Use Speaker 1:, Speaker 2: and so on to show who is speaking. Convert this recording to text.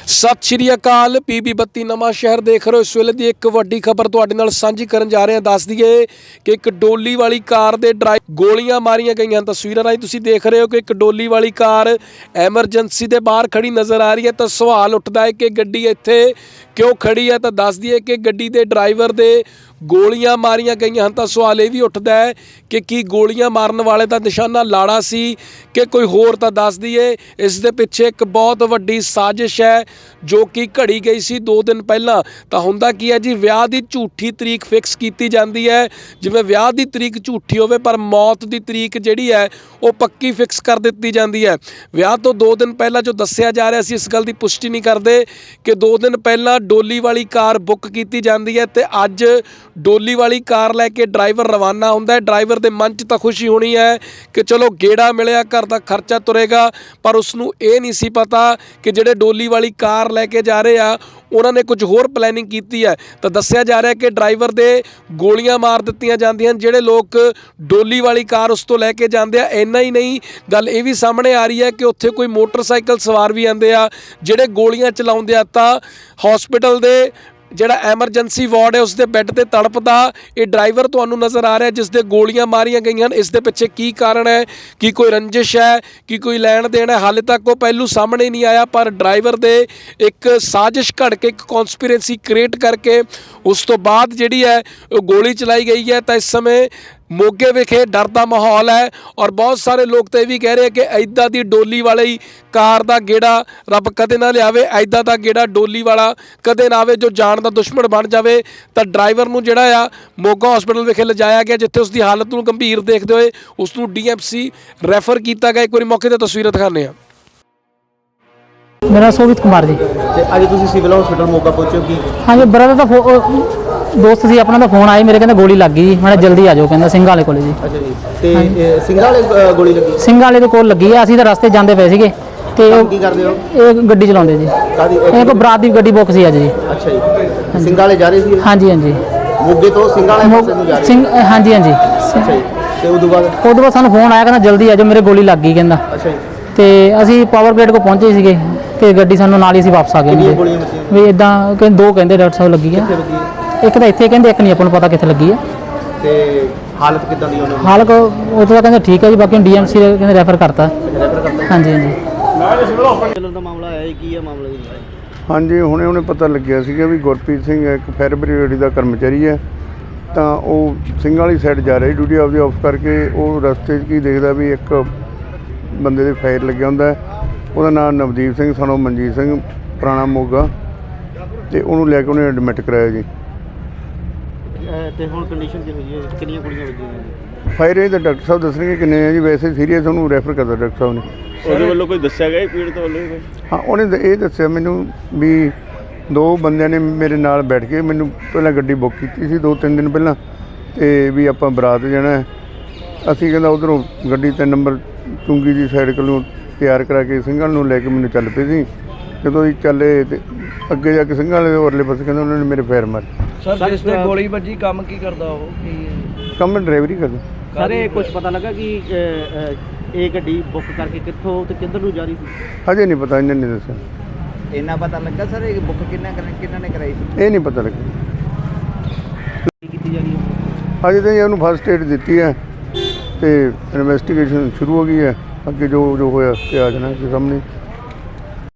Speaker 1: सत श्री अकाल पीबी 32 नवां शहर देख रहे हो। इस वेले की एक वड्डी खबर तुहाडे नाल सांझी करन जा रहे हैं। दस दिए कि एक डोली वाली कार दे ड्राइवर गोलियां मारियां गईयां। तस्वीरां राही तुसीं देख रहे हो कि एक डोली वाली कार एमरजेंसी दे बाहर खड़ी नज़र आ रही है। तो सवाल उठदा है कि गड्डी इत्थे क्यों खड़ी है। तो दस दिए कि गड्डी दे ड्राइवर दे गोलियां मारियां गईयां हैं। तो सवाल ये भी उठदा है कि की गोलियां मारन वाले दा निशाना लाड़ा सी कि कोई होर। तो दस दिए इस दे पिछे एक बहुत वड्डी साजिश है जो कि घड़ी गई सी 2 दिन पहला। तो हुंदा की है जी, विआह की झूठी तरीक फिक्स की जाती है। जिवें विआह की तरीक झूठी होवे पर मौत की तरीक जिहड़ी है वो पक्की फिक्स कर दी जाती है। विआह तो 2 दिन पहला जो दस्सिया जा रहा, इस गल की पुष्टि नहीं करते कि 2 दिन पहला डोली वाली कार बुक की जाती है तो अज डोली वाली कार लैके ड्राइवर रवाना होंदा है। ड्राइवर के मन च तो खुशी होनी है कि चलो गेड़ा मिलिया, घर का खर्चा तुरेगा, पर उसनू ये नहीं सी पता कि जिहड़े डोली वाली कार लैके जा रहे आ उन्होंने कुछ होर प्लैनिंग की है। तो दस्सिया जा रहा है कि ड्राइवर दे गोलियां मार दित्तियां जांदियां जिहड़े लोग डोली वाली कार उस तो लैके जांदे आ। इन्ना ही नहीं, गल ये भी सामने आ रही है कि उत्थे कोई मोटरसाइकिल सवार भी आंदे आ जिहड़े गोलियां चलाउंदे आ। तां हॉस्पिटल दे जिहड़ा एमरजेंसी वार्ड है उसके बैड ते तड़पदा ये ड्राइवर तुहानू नज़र आ रहा है जिसदे गोलियां मारियां गईयां। इस दे पिछे की कारण है, कि कोई रंजिश है, कि कोई लैण देण है, हाले तक वो पहलू सामने नहीं आया। पर ड्राइवर दे एक साजिश घड़ के, एक कॉन्स्पिरेसी क्रिएट करके उस तो बाद जिहड़ी है गोली चलाई गई है। तो इस समय मोगे विखे डर का माहौल है और बहुत सारे लोग तो यह भी कह रहे हैं कि इदां दी डोली वाली कार का गेड़ा रब कदे ना लियावे, इदां दा गेड़ा डोली वाला कदे ना आवे जो जान का दुश्मन बन जाए। तो ड्राइवर नूं जिहड़ा आ मोगा हॉस्पिटल विखे लिजाया गया जिथे उसकी हालत नूं गंभीर देखते हुए उसनूं DMC रैफर किया गया। एक बार मौके ते तस्वीरां दिखाने हैं।
Speaker 2: मेरा शोभित कुमार जी।
Speaker 3: अज तुम सिविल हॉस्पिटल मोगा पहुंचे कि?
Speaker 2: हाँ जी, ब्रदर का दोस्त सी अपना, फोन आया मेरे, कहते गोली लग गई जी, मैं जल्दी आ जाओ, कहता सिंघा वाले कोले जी।
Speaker 3: अच्छा जी, ते सिंघा वाले गोली लगी?
Speaker 2: सिंघा वाले के कोल लगी है। असीं तो रस्ते जाते पे सीगे ते
Speaker 3: की करदे हो?
Speaker 2: ਇਹ ਗੱਡੀ ਚਲਾਉਂਦੇ ਜੀ। ਇਹ ਕੋ ਬਰਾਤ ਦੀ ਗੱਡੀ ਬੁੱਕ ਸੀ ਅੱਜ ਜੀ।
Speaker 3: ਅੱਛਾ ਜੀ, ਸਿੰਗਾ ਵਾਲੇ ਜਾ ਰਹੇ ਸੀ?
Speaker 2: ਹਾਂਜੀ ਹਾਂਜੀ,
Speaker 3: ਮੋਗੇ ਤੋਂ ਸਿੰਗਾ ਵਾਲੇ ਪਾਸੇ ਨੂੰ ਜਾ ਰਹੇ
Speaker 2: ਸਿੰਘ, ਹਾਂਜੀ ਹਾਂਜੀ।
Speaker 3: ਅੱਛਾ ਜੀ, ਤੇ ਉਦੋਂ ਬਾਅਦ
Speaker 2: ਸਾਨੂੰ ਫੋਨ ਆਇਆ, ਕਹਿੰਦਾ ਜਲਦੀ ਆ ਜਾਓ, ਮੇਰੇ ਗੋਲੀ ਲੱਗ ਗਈ ਕਹਿੰਦਾ।
Speaker 3: ਅੱਛਾ ਜੀ,
Speaker 2: ਤੇ ਅਸੀਂ ਪਾਵਰ ਗ੍ਰੇਡ ਕੋ ਪਹੁੰਚੇ ਸੀਗੇ ਤੇ ਗੱਡੀ ਸਾਨੂੰ ਨਾਲ ਹੀ ਅਸੀਂ ਵਾਪਸ ਆ ਗਏ।
Speaker 3: ਕਿੰਨੀਆਂ ਗੋਲੀਆਂ ਵੱਜੀਆਂ?
Speaker 2: ਵੀ ਇਦਾਂ ਕਹਿੰਦੇ 2 ਕਹਿੰਦੇ ਡਾਕਟਰ ਸਾਹਿਬ ਲੱਗੀ ਆ।
Speaker 3: ਕਿੱਥੇ ਵੱਜੀ?
Speaker 2: ਇੱਕ ਤਾਂ ਇੱਥੇ ਕਹਿੰਦੇ, ਇੱਕ ਨਹੀਂ ਆਪਾਂ ਨੂੰ ਪਤਾ ਕਿੱਥੇ ਲੱਗੀ ਆ।
Speaker 3: ਤੇ ਹਾਲਤ ਕਿੱਦਾਂ ਦੀ ਉਹਨਾਂ ਦੀ?
Speaker 2: ਹਾਲਤ ਉਹ ਤਾਂ ਕਹਿੰਦੇ ਠੀਕ ਹੈ ਜੀ, ਬਾਕੀ DMC ਕਹਿੰਦੇ ਰੈਫਰ ਕਰਤਾ।
Speaker 3: ਰੈਫਰ ਕਰਤਾ?
Speaker 2: ਹਾਂਜੀ ਹਾਂਜੀ।
Speaker 3: ਚੱਲਣ ਦਾ ਮਾਮਲਾ ਆਇਆ ਕੀ ਹੈ ਮਾਮਲਾ ਜੀ?
Speaker 4: ਹਾਂਜੀ, ਹੁਣੇ ਪਤਾ ਲੱਗਿਆ ਸੀਗਾ ਵੀ ਗੁਰਪ੍ਰੀਤ ਸਿੰਘ ਇੱਕ ਫਾਇਰ ਬ੍ਰਿਗੇਡ ਦਾ ਕਰਮਚਾਰੀ ਹੈ। ਤਾਂ ਉਹ ਸਿੰਘਾਂ ਵਾਲੀ ਸਾਈਡ ਜਾ ਰਿਹਾ ਡਿਊਟੀ ਆਪਦੀ ਆਫ ਕਰਕੇ। ਉਹ ਰਸਤੇ 'ਚ ਕੀ ਦੇਖਦਾ ਵੀ ਇੱਕ ਬੰਦੇ ਦੇ ਫਾਇਰ ਲੱਗਿਆ ਹੁੰਦਾ। ਉਹਦਾ ਨਾਮ ਨਵਦੀਪ ਸਿੰਘ ਸਨ ਉਹ ਮਨਜੀਤ ਸਿੰਘ ਪੁਰਾਣਾ ਮੋਗਾ, ਤੇ ਉਹਨੂੰ ਲੈ ਕੇ ਉਹਨੇ ਐਡਮਿਟ ਕਰਾਇਆ ਜੀ।
Speaker 3: ਤੇ ਹੁਣ ਕੰਡੀਸ਼ਨ ਕੀ ਹੋਈ ਹੈ? ਕਿੰਨੀਆਂ ਗੋਲੀਆਂ ਵੱਜੀਆਂ?
Speaker 4: ਫਾਇਰ ਇਹ ਤਾਂ ਡਾਕਟਰ ਸਾਹਿਬ ਦੱਸਣਗੇ ਕਿੰਨੇ ਆ ਜੀ। ਵੈਸੇ ਸੀਰੀਅਸ ਉਹਨੂੰ ਰੈਫਰ ਕਰਦਾ ਡਾਕਟਰ ਸਾਹਿਬ ਨੇ।
Speaker 5: ਉਹਦੇ ਵੱਲੋਂ ਕੋਈ ਦੱਸਿਆ ਗਿਆ ਪੀੜਤ ਵੱਲੋਂ?
Speaker 4: ਹਾਂ, ਉਹਨੇ ਇਹ ਦੱਸਿਆ ਮੈਨੂੰ ਵੀ 2 ਬੰਦਿਆਂ ਨੇ ਮੇਰੇ ਨਾਲ ਬੈਠ ਕੇ ਮੈਨੂੰ ਪਹਿਲਾਂ ਗੱਡੀ ਬੁੱਕ ਕੀਤੀ ਸੀ 2-3 ਦਿਨ ਪਹਿਲਾਂ, ਤੇ ਵੀ ਆਪਾਂ ਬਰਾਤ ਜਾਣਾ। ਅਸੀਂ ਕਹਿੰਦਾ ਉੱਧਰੋਂ ਗੱਡੀ 3 ਨੰਬਰ ਚੁੰਗੀ ਦੀ ਸਾਈਡ ਕੋਲੋਂ ਤਿਆਰ ਕਰਾ ਕੇ ਸਿੰਘਾਂ ਨੂੰ ਲੈ ਕੇ ਮੈਨੂੰ ਚੱਲ ਪਏ ਸੀ। ਜਦੋਂ ਅਸੀਂ ਚੱਲੇ ਤੇ ਅੱਗੇ ਜਾ ਕੇ ਸਿੰਘਾਂ ਵਾਲੇ ਉਰਲੇ ਪਾਸੇ ਕਹਿੰਦਾ ਉਹਨਾਂ ਨੇ ਮੇਰੇ ਫੇਰ ਮਾਰੇ।
Speaker 6: ਸਰ ਜਿਸ ਤੇ ਗੋਲੀ ਵੱਜੀ ਕੰਮ ਕੀ ਕਰਦਾ ਉਹ?
Speaker 4: ਕੰਮ ਡਰਾਈਵਰੀ ਕਰਦਾ।
Speaker 3: ਸਰ ਇਹ ਕੁਝ ਪਤਾ ਲੱਗਾ ਕਿ ਇਹ ਗੱਡੀ ਬੁੱਕ ਕਰਕੇ ਕਿੱਥੋਂ ਤੇ ਕਿੱਧਰ ਨੂੰ ਜਾ ਰਹੀ ਸੀ?
Speaker 4: ਹਜੇ ਨਹੀਂ ਪਤਾ, ਇਹਨਾਂ ਨੇ ਦੱਸਿਆ।
Speaker 6: ਇੰਨਾ ਪਤਾ ਲੱਗਾ ਸਰ ਇਹ ਬੁੱਕ ਕਿੰਨਾ ਨੇ ਕਰਾਈ ਸੀ?
Speaker 4: ਇਹ ਨਹੀਂ ਪਤਾ ਲੱਗਿਆ।
Speaker 3: ਕੀਤੀ ਜਾ ਰਹੀ ਹੈ
Speaker 4: ਹਜੇ ਤਾਂ ਉਹਨੂੰ ਫਸਟ ਏਡ ਦਿੱਤੀ ਹੈ ਤੇ ਇਨਵੈਸਟੀਗੇਸ਼ਨ ਸ਼ੁਰੂ ਹੋ ਗਈ ਹੈ। ਅੱਗੇ ਜੋ ਹੋਇਆ ਤੇ ਆ ਜਾਣਾ ਸਾਹਮਣੇ।